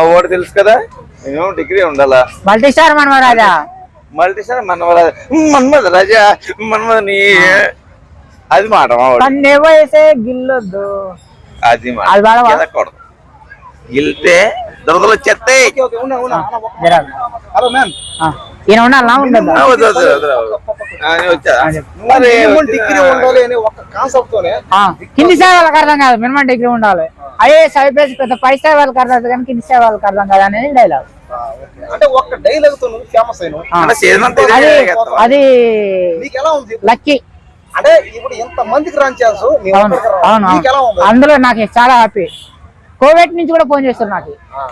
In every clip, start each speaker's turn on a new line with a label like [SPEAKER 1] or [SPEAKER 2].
[SPEAKER 1] ఓడి తెలుసు కదా, minimum degree ఉండాలా.
[SPEAKER 2] మల్టీస్టార్ మన్మరాజా,
[SPEAKER 1] మల్టీస్టార్ మన్మథ రాజా, మన్మథని అది మాట
[SPEAKER 2] వేసే గిల్లొద్దు,
[SPEAKER 1] అది మాట గిల్తే దొరదలు వచ్చేస్తాయి.
[SPEAKER 2] ఈయన ఉండాలా ఉండదు కింది స్థాయి వాళ్ళకి అర్థం కాదు, మినిమం డిగ్రీ ఉండాలి. ఐఏఎస్ ఐపీఎస్ పెద్ద పై స్థాయి వాళ్ళకి అర్థం కాదు కానీ కింది స్థాయి వాళ్ళకి అర్థం కాదు అనేది డైలాగ్. అది లక్కీ.
[SPEAKER 3] అంటే ఇప్పుడు ఎంత మందికి రన్ చేస్తూ
[SPEAKER 2] అందులో నాకు చాలా హ్యాపీ. కోవిడ్ నుంచి కూడా ఫోన్ చేస్తారు నాకు.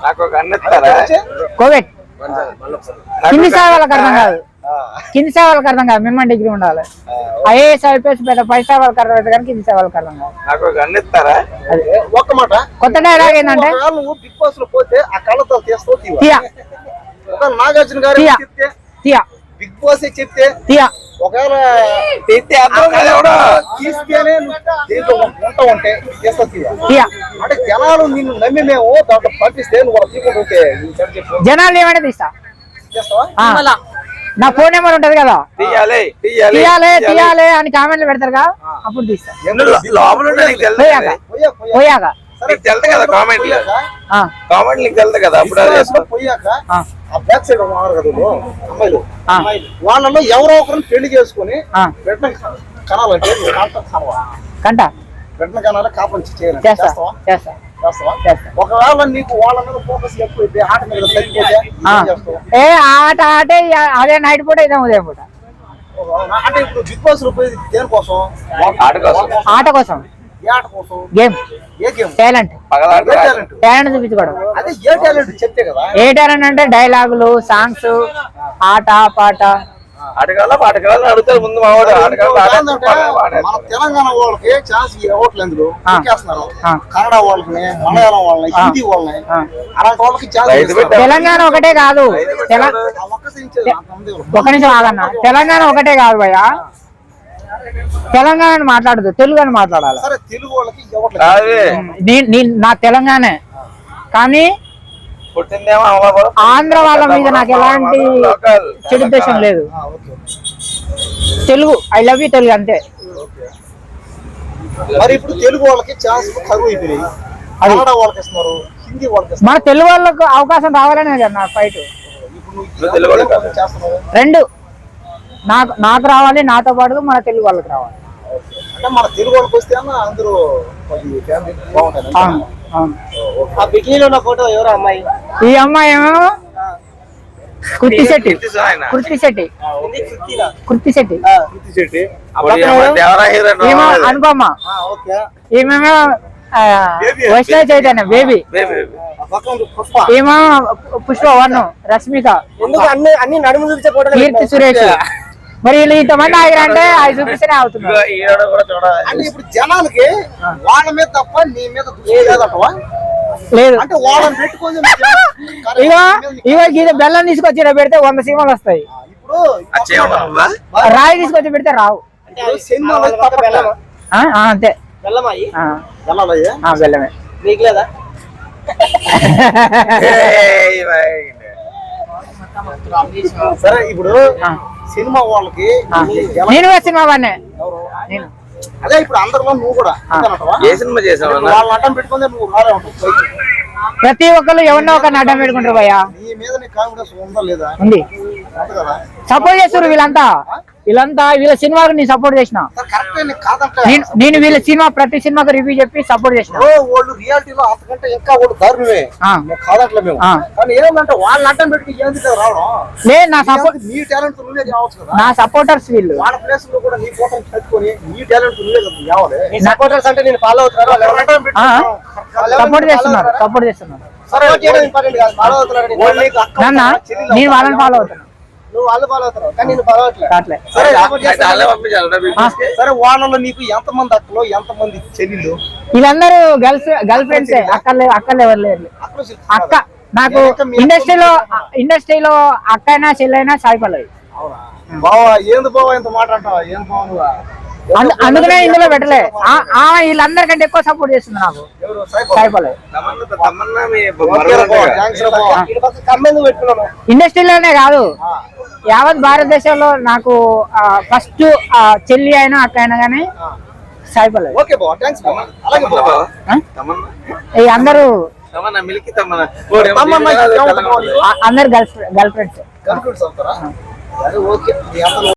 [SPEAKER 2] కోవిడ్ కింది స్థాయి వాళ్ళకి అర్థం కాదు, కింది స్థాయి వాళ్ళకి అర్థం కాదు, మినిమం డిగ్రీ ఉండాలి. ఐఏఎస్ ఐపీఎస్ పెద్ద పై స్థాయి వాళ్ళకి అర్థం అవుతుంది కానీ కింది స్థాయి వాళ్ళకి అర్థం కాదు.
[SPEAKER 3] ఒక్క మాట
[SPEAKER 2] కొత్త డైలాగ్ ఏంటంటే
[SPEAKER 3] బిగ్ బాస్ లో పోతే ఆ కళ్ళతో తీస్తావు నాగార్జున గారు బిగ్ బాస్ చెప్తే ఒకవేళ తీస్తేనే దీంట్లో వంట ఉంటే అంటే జనాలు నిన్ను నమ్మి మేము దాంట్లో పంపిస్తే నువ్వు తీసుకుంటుంటే
[SPEAKER 2] జనాలు ఏమైనా తీస్తావా? నా ఫోన్ నెంబర్ ఉంటది కదా, తీయాలి తీయాలి అని కామెంట్లు పెడతారుగా, అప్పుడు తీస్తా. పోయాక
[SPEAKER 3] వాళ్ళలో ఎవరో ఒకరిని పెళ్లి చేసుకుని బిడ్డ కనాలంటే
[SPEAKER 2] కంట
[SPEAKER 3] బిడ్డ కనాలి కాపం చేయాలి. ఒకవేళ నీకు వాళ్ళ మీద ఫోకస్ ఎక్కువైతే ఆట మీద
[SPEAKER 2] ఆట ఆటే అదే నైట్ పూట ఇదే ఉదయం పూట.
[SPEAKER 3] అంటే ఇప్పుడు బిగ్ బాస్ లో పోయి దేనికోసం?
[SPEAKER 2] ఆట కోసం, గేమ్, టాలెంట్ చూపించుకోవడం.
[SPEAKER 3] చెప్తే కదా
[SPEAKER 2] ఏ టాలెంట్ అంటే డైలాగులు, సాంగ్స్, ఆట పాట.
[SPEAKER 1] అడుగుతారు ముందు
[SPEAKER 3] తెలంగాణ వాళ్ళకి ఛాన్స్ ఇవ్వట్లేదు, కన్నడ వాళ్ళకి, మలయాళం వాళ్ళని, హిందీ వాళ్ళని, అలాంటి వాళ్ళకి ఛాన్స్.
[SPEAKER 2] తెలంగాణ ఒకటే కాదు, ఒక నిమిషం ఆగన్నా, తెలంగాణ ఒకటే కాదు భయ్య, తెలంగాణ మాట్లాడదు, తెలుగు అని మాట్లాడాలి. నా తెలంగాణ కానీ ఆంధ్ర వాళ్ళ మీద నాకు ఎలాంటి చెడు ఉద్దేశం లేదు. Telugu, I love you Telugu అంతే.
[SPEAKER 3] మరి ఇప్పుడు తెలుగు వాళ్ళకి ఛాన్స్ కరువు అయిపోయినాయి, వాళ్ళకి ఇస్తున్నారు, హిందీ వాళ్ళకి.
[SPEAKER 2] మన తెలుగు వాళ్ళకు అవకాశం రావాలనే కదా నా ఫైట్. రెండు నాకు రావాలి, నాతో పాటు మన తెలుగు వాళ్ళకి రావాలి.
[SPEAKER 3] అంటే మన తెలుగు వాళ్ళకి వస్తే అందరూ బాగుంటాయి. ఆ బికినీలో ఉన్న ఫోటో ఎవరు అమ్మాయి?
[SPEAKER 2] ఈ అమ్మాయి ఏమో కృతి శెట్టి. అనుపమ. ఏమేమో వైష్ణవి చైతన్య బేబీ. ఏమో పుష్ప వర్ణం, రష్మిక,
[SPEAKER 3] అన్ని నడుము చూపించే ఫోటో,
[SPEAKER 2] కీర్తి సురేష్. మరి వీళ్ళు ఇంతమంది ఆగిరంటే అవి చూపిస్తేనే అవుతున్నారు.
[SPEAKER 3] అంటే ఇప్పుడు జనాలకి వాళ్ళ మీద తప్ప నీ మీద
[SPEAKER 2] లేదు.
[SPEAKER 3] అంటే వాళ్ళని పెట్టుకొని
[SPEAKER 2] ఇగో బెల్లం తీసుకొచ్చి పెడితే 100 సీమలు వస్తాయి. రాయి తీసుకొచ్చి పెడితే రావు. అంతే, బెల్లమే.
[SPEAKER 3] నీకు లేదా? సరే ఇప్పుడు సినిమా వాళ్ళకి
[SPEAKER 2] నేను సినిమా వాడినే.
[SPEAKER 3] అదే ఇప్పుడు అందరిలో నువ్వు కూడా
[SPEAKER 1] ఏ సినిమా చేసావు?
[SPEAKER 3] వాళ్ళని అడ్డం పెట్టుకుంటే నువ్వు రాలే ఉంటావు.
[SPEAKER 2] ప్రతి ఒక్కరు ఎవరినో ఒకరిని అడ్డం పెట్టుకుంటారు భయ్యా.
[SPEAKER 3] నీ మీద నీ కాన్ఫిడెన్స్ ఉందా లేదా?
[SPEAKER 2] ఉంది. సపోర్ట్ చేస్తారు వీళ్ళంతా వీళ్ళ సినిమాకి నేను సపోర్ట్ చేసిన. నేను వీళ్ళ సినిమా ప్రతి సినిమాకి రివ్యూ చెప్పి సపోర్ట్ చేసిన.
[SPEAKER 3] వాళ్ళు రియాలిటీలో అంతకంటే ఇంకా వాళ్ళు దారుణమే కాదంటే మేము. కానీ ఏమంటే వాళ్ళని అడ్డం పెట్టి ఏంది రావడం
[SPEAKER 2] లేదు. నా సపోర్ట్,
[SPEAKER 3] నీ టాలెంట్ నువ్వే కావచ్చు కదా.
[SPEAKER 2] నా సపోర్టర్స్ వీళ్ళు.
[SPEAKER 3] వాళ్ళ ప్లేస్ లో కూడా నీ ఫోటో పెట్టుకొని నీ టాలెంట్ నువ్వే కావాలి. సపోర్టర్స్ అంటే నేను ఫాలో అవుతున్నారు,
[SPEAKER 2] సపోర్ట్ చేస్తున్నారు. నేను వాళ్ళని ఫాలో అవుతాను.
[SPEAKER 3] నువ్వు వాళ్ళు ఫాలో అవుతారు కానీ నేను ఫాలో అవట్లేదు. సరే వాళ్ళలో నీకు ఎంతమంది అక్కలు, ఎంతమంది చెల్లెళ్ళు?
[SPEAKER 2] వీళ్ళందరూ గర్ల్ ఫ్రెండ్స్. అక్కలు ఎవరు లేరు. అక్క నాకు ఇండస్ట్రీలో అక్క అయినా చెల్లైనా సాయి పల్లవి.
[SPEAKER 3] బావా ఏంది బావా ఇంత మాట అంటావా? ఏం బావ నువ్వు
[SPEAKER 2] అందుకనే ఇందులో పెట్టలే వీళ్ళందరికంటే ఎక్కువ సపోర్ట్ చేస్తుంది నాకు
[SPEAKER 3] ఎవరు? సాయిబాబా.
[SPEAKER 2] సాయిపల్లవి.
[SPEAKER 1] తమన్నా మీ
[SPEAKER 3] ఓకే రా బావ, థాంక్స్ రా బావ. ఈడ పక్కన కమ్మెందుకు పెట్టుకున్నాను?
[SPEAKER 2] ఇండస్ట్రీలోనే కాదు యావత్ భారతదేశంలో నాకు ఫస్ట్ చెల్లి అయినా అక్క అయినా కానీ సాయిపల్లవి.
[SPEAKER 3] ఓకే బావ, థాంక్స్ బావ. అలాగే బావ.
[SPEAKER 1] తమన్నా
[SPEAKER 2] ఈ అందరూ
[SPEAKER 1] తమన్నా మిల్కి తమన్నా
[SPEAKER 3] తమన్నా
[SPEAKER 2] అందరు గర్ల్ ఫ్రెండ్స్
[SPEAKER 3] కనుక్కుంటూ చదువుతారా? సరే, ఓకే. మీ అందరూ